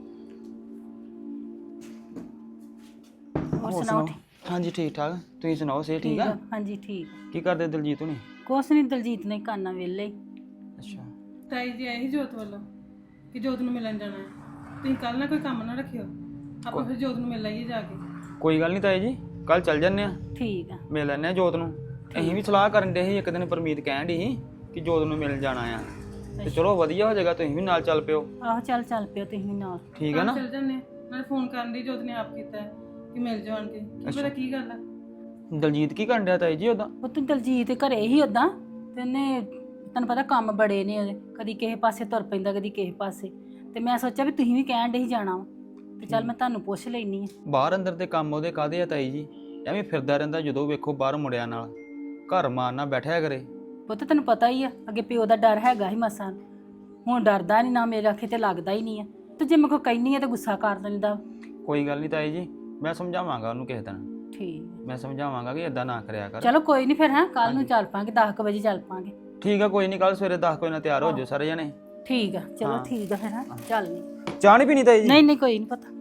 [SPEAKER 4] ਹੋਰ ਸੁਣਾਓ?
[SPEAKER 9] ਹਾਂਜੀ ਠੀਕ ਠਾਕ, ਤੁਸੀਂ ਸੁਣਾਓ ਸੇ ਠੀਕ ਆ?
[SPEAKER 4] ਹਾਂਜੀ ਠੀਕ।
[SPEAKER 9] ਕੀ ਕਰਦੇ ਦਲਜੀਤ ਹੁਣੀ?
[SPEAKER 4] ਕੁਛ ਨਹੀਂ, ਦਲਜੀਤ ਨੇ ਕਾਨਾ ਵੇਲੇ।
[SPEAKER 9] ਅੱਛਾ।
[SPEAKER 8] ਤਾਈ ਜੀ ਆਏ ਸੀ ਜੋਤ ਵੱਲੋਂ ਕਿ ਜੋਤ ਨੂੰ ਮਿਲਣ ਜਾਣਾ ਹੈ। ਤੁਸੀਂ ਕੱਲ ਨਾ ਕੋਈ ਕੰਮ ਨਾ ਰੱਖਿਓ, ਆਪਾਂ ਫਿਰ ਜੋਤ ਨੂੰ ਮਿਲ ਆਈਏ ਜਾ ਕੇ।
[SPEAKER 9] ਕੋਈ ਗੱਲ ਨਹੀਂ ਤਾਈ ਜੀ, ਕੱਲ ਚੱਲ ਜੰਨੇ ਆ,
[SPEAKER 4] ਠੀਕ ਆ,
[SPEAKER 9] ਮਿਲ ਲੈਣੇ ਆ ਜੋਤ ਨੂੰ। ਅਸੀਂ ਵੀ ਸਲਾਹ ਕਰਨ ਦੇ ਸੀ ਇੱਕ ਦਿਨ, ਪਰਮੀਤ ਕਹਿਣ ਦੀ ਸੀ ਕਿ ਜੋਤ ਨੂੰ ਮਿਲਣ ਜਾਣਾ ਆ। ਤੇ ਚਲੋ ਵਧੀਆ ਹੋ ਜਾਏਗਾ, ਤੁਸੀਂ ਵੀ ਨਾਲ ਚੱਲ ਪਿਓ।
[SPEAKER 4] ਆਹੋ ਚੱਲ ਚੱਲ ਪਿਓ ਤੁਸੀਂ ਵੀ ਨਾਲ।
[SPEAKER 9] ਠੀਕ ਹੈ ਨਾ?
[SPEAKER 8] ਚੱਲ ਜੰਨੇ ਨਾਲੇ ਫੋਨ ਕਰਨ ਦੀ ਜੋਤ ਨੇ ਆਪ ਕੀਤਾ ਹੈ ਕਿ ਮਿਲ ਜਾਣ ਕੇ, ਕੀ ਪਤਾ ਕੀ ਗੱਲ ਆ।
[SPEAKER 9] ਦਲਜੀਤ ਕੀ ਕਰਨ ਡਿਆ ਤਾਈ ਜੀ ਉਹਦਾ?
[SPEAKER 4] ਉਹ ਤੂੰ ਦਲਜੀਤ ਘਰੇ ਹੀ ਉਦਾਂ, ਤੇ ਉਹਨੇ ਤੈਨੂੰ ਪਤਾ ਕੰਮ ਬੜੇ ਨੇ ਉਹਦੇ, ਕਦੀ ਕਿਸੇ ਪਾਸੇ ਤੁਰ ਪੈਂਦਾ ਕਦੀ ਕਿਸੇ ਪਾਸੇ, ਤੇ ਮੈਂ ਸੋਚਿਆ ਵੀ ਤੁਸੀਂ ਵੀ ਕਹਿਣ ਡੇ ਹੀ ਜਾਣਾ ਵਾ, ਤੇ ਚੱਲ ਮੈਂ ਤੁਹਾਨੂੰ ਪੁੱਛ ਲੈਣੀ ਆ।
[SPEAKER 9] ਬਾਹਰ ਅੰਦਰ ਦੇ ਕੰਮ ਉਹਦੇ ਕਾਹਦੇ ਆ ਤਾਈ ਜੀ? ਐਵੇਂ ਫਿਰਦਾ ਰਹਿੰਦਾ, ਜਦੋਂ ਵੇਖੋ ਬਾਹਰ ਮੁੰਡਿਆਂ ਨਾਲ, ਘਰ ਮਾਰਨਾ ਬੈਠਿਆ ਕਰੇ।
[SPEAKER 4] ਪੁੱਤ ਤੈਨੂੰ ਪਤਾ ਹੀ ਆ, ਅੱਗੇ ਪਿਓ ਦਾ ਡਰ ਹੈਗਾ ਹੀ ਮਸਾਂ, ਹੁਣ ਡਰਦਾ ਨਹੀਂ ਨਾ, ਮੇਰੇ ਅੱਖੇ ਤੇ ਲੱਗਦਾ ਹੀ ਨਹੀਂ ਆ, ਤੇ ਜੇ ਮੈਂ ਕੋਈ ਕਹਿਨੀ ਆ ਤੇ ਗੁੱਸਾ ਕਰ ਦਿੰਦਾ।
[SPEAKER 9] ਕੋਈ ਗੱਲ ਨਹੀਂ ਤਾਈ ਜੀ, ਮੈਂ ਸਮਝਾਵਾਂਗਾ ਉਹਨੂੰ ਕਿਸੇ ਦਿਨ,
[SPEAKER 4] ਠੀਕ,
[SPEAKER 9] ਮੈਂ ਸਮਝਾਵਾਂਗਾ ਕਿ ਇਦਾਂ ਨਾ ਕਰਿਆ ਕਰ।
[SPEAKER 4] ਚਲੋ ਕੋਈ ਨਹੀਂ ਫਿਰ, ਹਾਂ ਕੱਲ ਨੂੰ ਚੱਲ ਪਾਂਗੇ, ਦਸ ਕੁ ਵਜੇ ਚੱਲ ਪਾਂਗੇ।
[SPEAKER 9] ਠੀਕ ਆ, ਕੋਈ ਨਹੀਂ, ਕੱਲ ਸਵੇਰੇ ਦਸ ਵਜੇ ਨਾਲ ਤਿਆਰ ਹੋ ਜਾਓ ਸਾਰੇ ਜਣੇ।
[SPEAKER 4] ਠੀਕ ਆ, ਚਲੋ
[SPEAKER 9] ਹਾਂ।
[SPEAKER 4] ਠੀਕ ਆ ਫਿਰ, ਹਾਂ ਚੱਲ ਨਹੀਂ।
[SPEAKER 9] ਚਾਹ ਨਹੀਂ ਪੀਣੀ ਤਾਈ ਜੀ?
[SPEAKER 4] ਨਹੀਂ ਨਹੀਂ ਕੋਈ ਨਹੀਂ ਪਤਾ।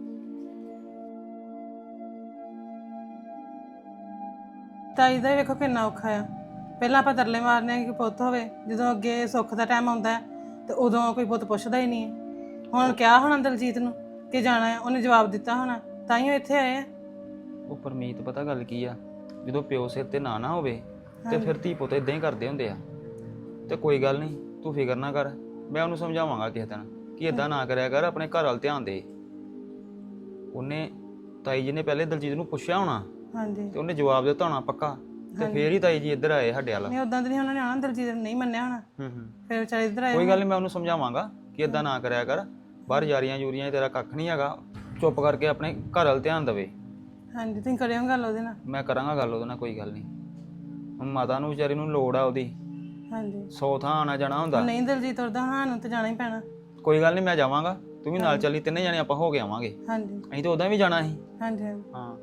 [SPEAKER 8] ਤਾਈ ਦਾ ਵੀ ਵੇਖੋ ਕਿੰਨਾ ਔਖਾ ਆ। ਪਹਿਲਾਂ ਆਪਾਂ ਤਰਲੇ ਮਾਰਨੇ ਆ ਕਿ ਪੁੱਤ ਹੋਵੇ, ਜਦੋਂ ਅੱਗੇ ਸੁੱਖ ਦਾ ਟਾਈਮ ਆਉਂਦਾ ਹੈ ਤੇ ਉਦੋਂ ਕੋਈ ਪੁੱਤ ਪੁੱਛਦਾ ਹੀ ਨਹੀਂ ਹੈ। ਹੁਣ ਕਿਹਾ ਹੋਣਾ ਦਲਜੀਤ ਨੂੰ ਕਿ ਜਾਣਾ ਹੈ, ਉਹਨੇ ਜਵਾਬ ਦਿੱਤਾ ਹੋਣਾ, ਤਾਂ ਹੀ ਉਹ ਇੱਥੇ ਆਏ ਆ।
[SPEAKER 9] ਉਹ ਪਰਮੀਤ, ਪਤਾ ਗੱਲ ਕੀ ਆ, ਜਦੋਂ ਪਿਓ ਸਿਰ ਤੇ ਨਾ ਨਾ ਹੋਵੇ ਤੇ ਫਿਰ ਧੀ ਪੁੱਤ ਇਦਾਂ ਹੀ ਕਰਦੇ ਹੁੰਦੇ ਆ। ਤੇ ਕੋਈ ਗੱਲ ਨਹੀਂ, ਤੂੰ ਫਿਕਰ ਨਾ ਕਰ, ਮੈਂ ਉਹਨੂੰ ਸਮਝਾਵਾਂਗਾ ਕਿਸੇ ਦਿਨ ਕਿ ਇਦਾਂ ਨਾ ਕਰਿਆ ਕਰ, ਆਪਣੇ ਘਰ ਵੱਲ ਧਿਆਨ ਦੇ। ਉਹਨੇ ਤਾਈ ਜੀ ਨੇ ਪਹਿਲੇ ਦਲਜੀਤ ਨੂੰ ਪੁੱਛਿਆ ਹੋਣਾ,
[SPEAKER 8] ਹਾਂਜੀ,
[SPEAKER 9] ਤੇ ਉਹਨੇ ਜਵਾਬ ਦਿੱਤਾ ਹੋਣਾ ਪੱਕਾ, ਤੇ ਫੇਰ ਹੀ ਤਾਈ ਜੀ ਇੱਧਰ ਆਏ ਸਾਡੇ ਵੱਲ।
[SPEAKER 8] ਨਹੀਂ ਉਦਾਂ ਤੇ ਨਹੀਂ ਉਹਨਾਂ ਨੇ ਆਉਣਾ, ਦਲਜੀਤ ਨੇ ਨਹੀਂ ਮੰਨਿਆ ਹੋਣਾ,
[SPEAKER 9] ਹੂੰ ਹੂੰ
[SPEAKER 8] ਫਿਰ ਵਿਚਾਰੇ ਇੱਧਰ ਆਏ।
[SPEAKER 9] ਕੋਈ ਗੱਲ ਨਹੀਂ, ਮੈਂ ਉਹਨੂੰ ਸਮਝਾਵਾਂਗਾ ਕਿ ਇਦਾਂ ਨਾ ਕਰਿਆ ਕਰ, ਬਾਹਰ ਯਾਰੀਆਂ ਯੂਰੀਆਂ 'ਚ ਤੇਰਾ ਕੱਖ ਨਹੀਂ ਹੈਗਾ, ਚੁੱਪ ਕਰਕੇ ਆਪਣੇ ਘਰ ਵੱਲ ਧਿਆਨ ਦੇਵੇ।
[SPEAKER 8] ਹਾਂਜੀ, ਤੁਸੀਂ ਕਰਿਓ ਗੱਲ ਉਹਦੇ ਨਾਲ।
[SPEAKER 9] ਮੈਂ ਕਰਾਂਗਾ ਗੱਲ ਉਹਦੇ ਨਾਲ, ਕੋਈ ਗੱਲ ਨਹੀਂ। ਹੁਣ ਮਾਤਾ ਨੂੰ ਵਿਚਾਰੀ ਨੂੰ ਲੋੜ ਆ ਉਹਦੀ,
[SPEAKER 8] ਹਾਂਜੀ,
[SPEAKER 9] ਸੌ ਥਾਂ ਆਣਾ ਜਾਣਾ ਹੁੰਦਾ।
[SPEAKER 8] ਨਹੀਂ ਦਲਜੀਤ ਉਰਦਾ ਹਾਂ ਨੂੰ ਤੇ ਜਾਣਾ ਹੀ ਪੈਣਾ।
[SPEAKER 9] ਕੋਈ ਗੱਲ ਨਹੀਂ, ਮੈਂ ਜਾਵਾਂਗਾ, ਤੂੰ ਵੀ ਨਾਲ ਚੱਲੀ, ਤਿੰਨੇ ਜਾਣੇ ਆਪਾਂ ਹੋ ਕੇ ਆਵਾਂਗੇ।
[SPEAKER 8] ਹਾਂਜੀ
[SPEAKER 9] ਅਸੀਂ ਤਾਂ ਉਦਾਂ ਵੀ ਜਾਣਾ ਸੀ।
[SPEAKER 8] ਹਾਂਜੀ ਹਾਂਜੀ।
[SPEAKER 9] ਹਾਂ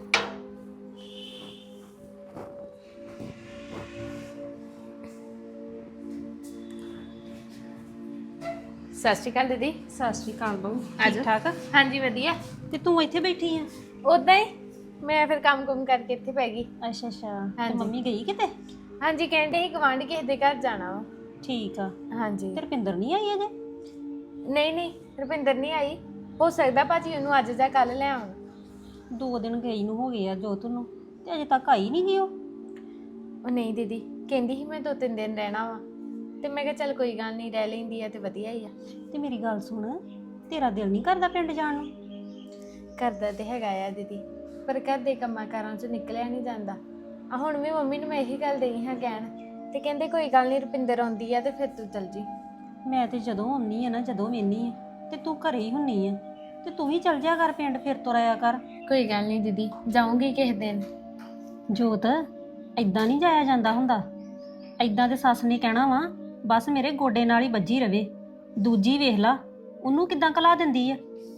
[SPEAKER 5] ਸਤਿ ਸ਼੍ਰੀ ਅਕਾਲ ਦੀਦੀ।
[SPEAKER 2] ਸਤਿ ਸ਼੍ਰੀ ਅਕਾਲ ਬਹੂ,
[SPEAKER 5] ਆਜੋ।
[SPEAKER 2] ਠੀਕ ਠਾਕ?
[SPEAKER 5] ਹਾਂਜੀ ਵਧੀਆ।
[SPEAKER 2] ਤੇ ਤੂੰ ਇੱਥੇ ਬੈਠੀ ਆ?
[SPEAKER 5] ਉਦਾਂ ਹੀ ਮੈਂ ਫਿਰ ਕੰਮ ਕੁਮ ਕਰਕੇ ਇੱਥੇ ਪੈ ਗਈ।
[SPEAKER 2] ਅੱਛਾ ਅੱਛਾ, ਤੇ
[SPEAKER 5] ਹਾਂਜੀ।
[SPEAKER 2] ਮੰਮੀ ਗਈ ਕਿਤੇ?
[SPEAKER 5] ਹਾਂਜੀ ਕਹਿੰਦੇ ਸੀ ਗਵਾਂਢ ਕਿਸੇ ਦੇ ਘਰ ਜਾਣਾ ਵਾ।
[SPEAKER 2] ਠੀਕ ਆ।
[SPEAKER 5] ਹਾਂਜੀ।
[SPEAKER 2] ਤੇ ਰੁਪਿੰਦਰ ਨਹੀਂ ਆਈ ਅਜੇ?
[SPEAKER 5] ਨਹੀਂ ਨਹੀਂ ਰੁਪਿੰਦਰ ਨਹੀਂ ਆਈ, ਹੋ ਸਕਦਾ ਭਾਜੀ ਉਹਨੂੰ ਅੱਜ ਜਾਂ ਕੱਲ ਲੈ ਆਉਣ।
[SPEAKER 2] ਦੋ ਦਿਨ ਗਈ ਨੂੰ ਹੋ ਗਏ ਆ ਜੋਤ ਨੂੰ, ਤੇ ਅਜੇ ਤੱਕ ਆਈ ਨਹੀਂ ਗਈ ਉਹ।
[SPEAKER 5] ਉਹ ਨਹੀਂ ਦੀਦੀ, ਕਹਿੰਦੀ ਸੀ ਮੈਂ ਦੋ ਤਿੰਨ ਦਿਨ ਰਹਿਣਾ ਵਾ, ਤੇ ਮੈਂ ਕਿਹਾ ਚੱਲ ਕੋਈ ਗੱਲ ਨਹੀਂ, ਰਹਿ ਲੈਂਦੀ ਆ ਤੇ ਵਧੀਆ ਹੀ ਆ।
[SPEAKER 2] ਤੇ ਮੇਰੀ ਗੱਲ ਸੁਣ, ਤੇਰਾ ਦਿਲ ਨਹੀਂ ਕਰਦਾ ਪਿੰਡ ਜਾਣ ਨੂੰ?
[SPEAKER 5] ਕਰਦਾ ਤੇ ਹੈਗਾ ਆ ਦੀਦੀ, ਪਰ ਘਰ ਦੇ ਕੰਮਾਂ ਕਾਰਾਂ 'ਚ ਨਿਕਲਿਆ ਨਹੀਂ ਜਾਂਦਾ। ਆ ਹੁਣ ਵੀ ਮੰਮੀ ਨੂੰ ਮੈਂ ਇਹੀ ਗੱਲ ਦੇਈ ਹਾਂ ਕਹਿਣ, ਤੇ ਕਹਿੰਦੇ ਕੋਈ ਗੱਲ ਨਹੀਂ, ਰੁਪਿੰਦਰ ਆਉਂਦੀ ਆ ਤੇ ਫਿਰ ਤੂੰ ਚੱਲ ਜੀ।
[SPEAKER 2] ਮੈਂ ਤੇ ਜਦੋਂ ਆਉਣੀ ਆ ਨਾ, ਜਦੋਂ ਵੇਨੀ ਆ ਤੇ ਤੂੰ ਘਰੇ ਹੀ ਹੁੰਨੀ ਆ, ਤੇ ਤੂੰ ਵੀ ਚੱਲ ਜਾ ਕਰ ਪਿੰਡ, ਫਿਰ ਤੁਰ ਆਇਆ ਕਰ।
[SPEAKER 5] ਕੋਈ ਗੱਲ ਨਹੀਂ ਦੀਦੀ, ਜਾਊਂਗੀ ਕਿਸੇ ਦਿਨ।
[SPEAKER 2] ਜੋਤ, ਐਦਾਂ ਨਹੀਂ ਜਾਇਆ ਜਾਂਦਾ ਹੁੰਦਾ। ਐਦਾਂ ਤੇ ਸੱਸ ਨੇ ਕਹਿਣਾ ਵਾ ਬਸ ਮੇਰੇ ਗੋਡੇ ਨਾਲ ਹੀ ਵੱਜੀ ਰਵੇ। ਦੂਜੀ ਵੇਖ ਲਾ, ਉਹਨੂੰ ਕਿੱਦਾਂ ਕਲਾ ਦਿੰਦੀ ਆ।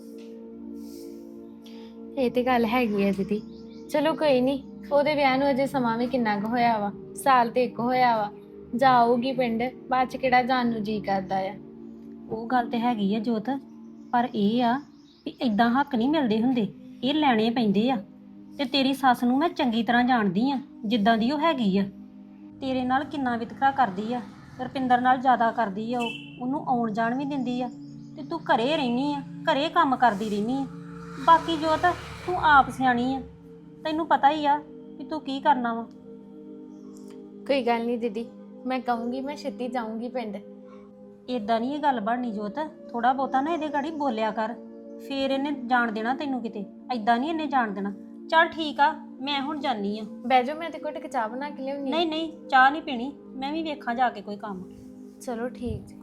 [SPEAKER 5] ਇਹ ਤੇ ਗੱਲ ਹੈਗੀ ਆ ਦੀਦੀ, ਚਲੋ ਕੋਈ ਨਹੀਂ, ਉਹਦੇ ਵਿਆਹ ਨੂੰ ਅਜੇ ਸਮਾਂ ਵੀ ਕਿੰਨਾ ਕੁ ਹੋਇਆ ਵਾ, ਸਾਲ ਤੇ ਇੱਕ ਹੋਇਆ ਵਾ, ਜਾਊਗੀ ਪਿੰਡ, ਬਾਅਦ ਚ ਕਿਹੜਾ ਜਾਣ ਨੂੰ ਜੀ ਕਰਦਾ ਆ।
[SPEAKER 2] ਉਹ ਗੱਲ ਤੇ ਹੈਗੀ ਆ ਜੋਤ, ਪਰ ਇਹ ਆ ਵੀ ਐਦਾਂ ਹੱਕ ਨਹੀਂ ਮਿਲਦੇ ਹੁੰਦੇ, ਇਹ ਲੈਣੇ ਪੈਂਦੇ ਆ। ਤੇ ਤੇਰੀ ਸੱਸ ਨੂੰ ਮੈਂ ਚੰਗੀ ਤਰ੍ਹਾਂ ਜਾਣਦੀ ਆ, ਜਿੱਦਾਂ ਦੀ ਉਹ ਹੈਗੀ ਆ। ਤੇਰੇ ਨਾਲ ਕਿੰਨਾ ਵਿਤਕਰਾ ਕਰਦੀ ਆ, ਰੁਪਿੰਦਰ ਨਾਲ ਜ਼ਿਆਦਾ ਕਰਦੀ ਆ ਉਹ, ਉਹਨੂੰ ਆਉਣ ਜਾਣ ਵੀ ਦਿੰਦੀ ਆ, ਤੇ ਤੂੰ ਘਰੇ ਰਹਿਨੀ ਆ, ਘਰੇ ਕੰਮ ਕਰਦੀ ਰਹਿਨੀ ਆ। ਬਾਕੀ ਜੋਤ, ਤੂੰ ਆਪ ਸਿਆਣੀ ਆ, ਤੈਨੂੰ ਪਤਾ ਹੀ ਆ ਵੀ ਤੂੰ ਕੀ ਕਰਨਾ ਵਾ।
[SPEAKER 5] ਕੋਈ ਗੱਲ ਨਹੀਂ ਦੀਦੀ, ਮੈਂ ਕਹੂੰਗੀ ਮੈਂ ਛੇਤੀ ਜਾਊਂਗੀ ਪਿੰਡ।
[SPEAKER 2] ਇਦਾਂ ਨਹੀਂ ਇਹ ਗੱਲ ਬਣਨੀ ਜੋਤ, ਥੋੜਾ ਬਹੁਤਾ ਨਾ ਇਹਦੇ ਗਾੜੀ ਬੋਲਿਆ ਕਰ, ਫੇਰ ਇਹਨੇ ਜਾਣ ਦੇਣਾ ਤੈਨੂੰ ਕਿਤੇ। ਐਦਾਂ ਨਹੀਂ ਇਹਨੇ ਜਾਣ ਦੇਣਾ। ਚੱਲ ਠੀਕ ਆ, ਮੈਂ ਹੁਣ ਜਾਨੀ ਆ।
[SPEAKER 5] ਬਹਿ ਜਾਓ, ਮੈਂ ਤੇ ਘੁੱਟ ਕੇ ਚਾਹ ਬਣਾ ਕੇ ਲਿਆਉਣੀ।
[SPEAKER 2] ਨਹੀਂ ਨਹੀਂ, ਚਾਹ ਨਹੀਂ ਪੀਣੀ, ਮੈਂ ਵੀ ਵੇਖਾਂ ਜਾ ਕੇ ਕੋਈ ਕੰਮ।
[SPEAKER 5] ਚਲੋ ਠੀਕ ਜੀ।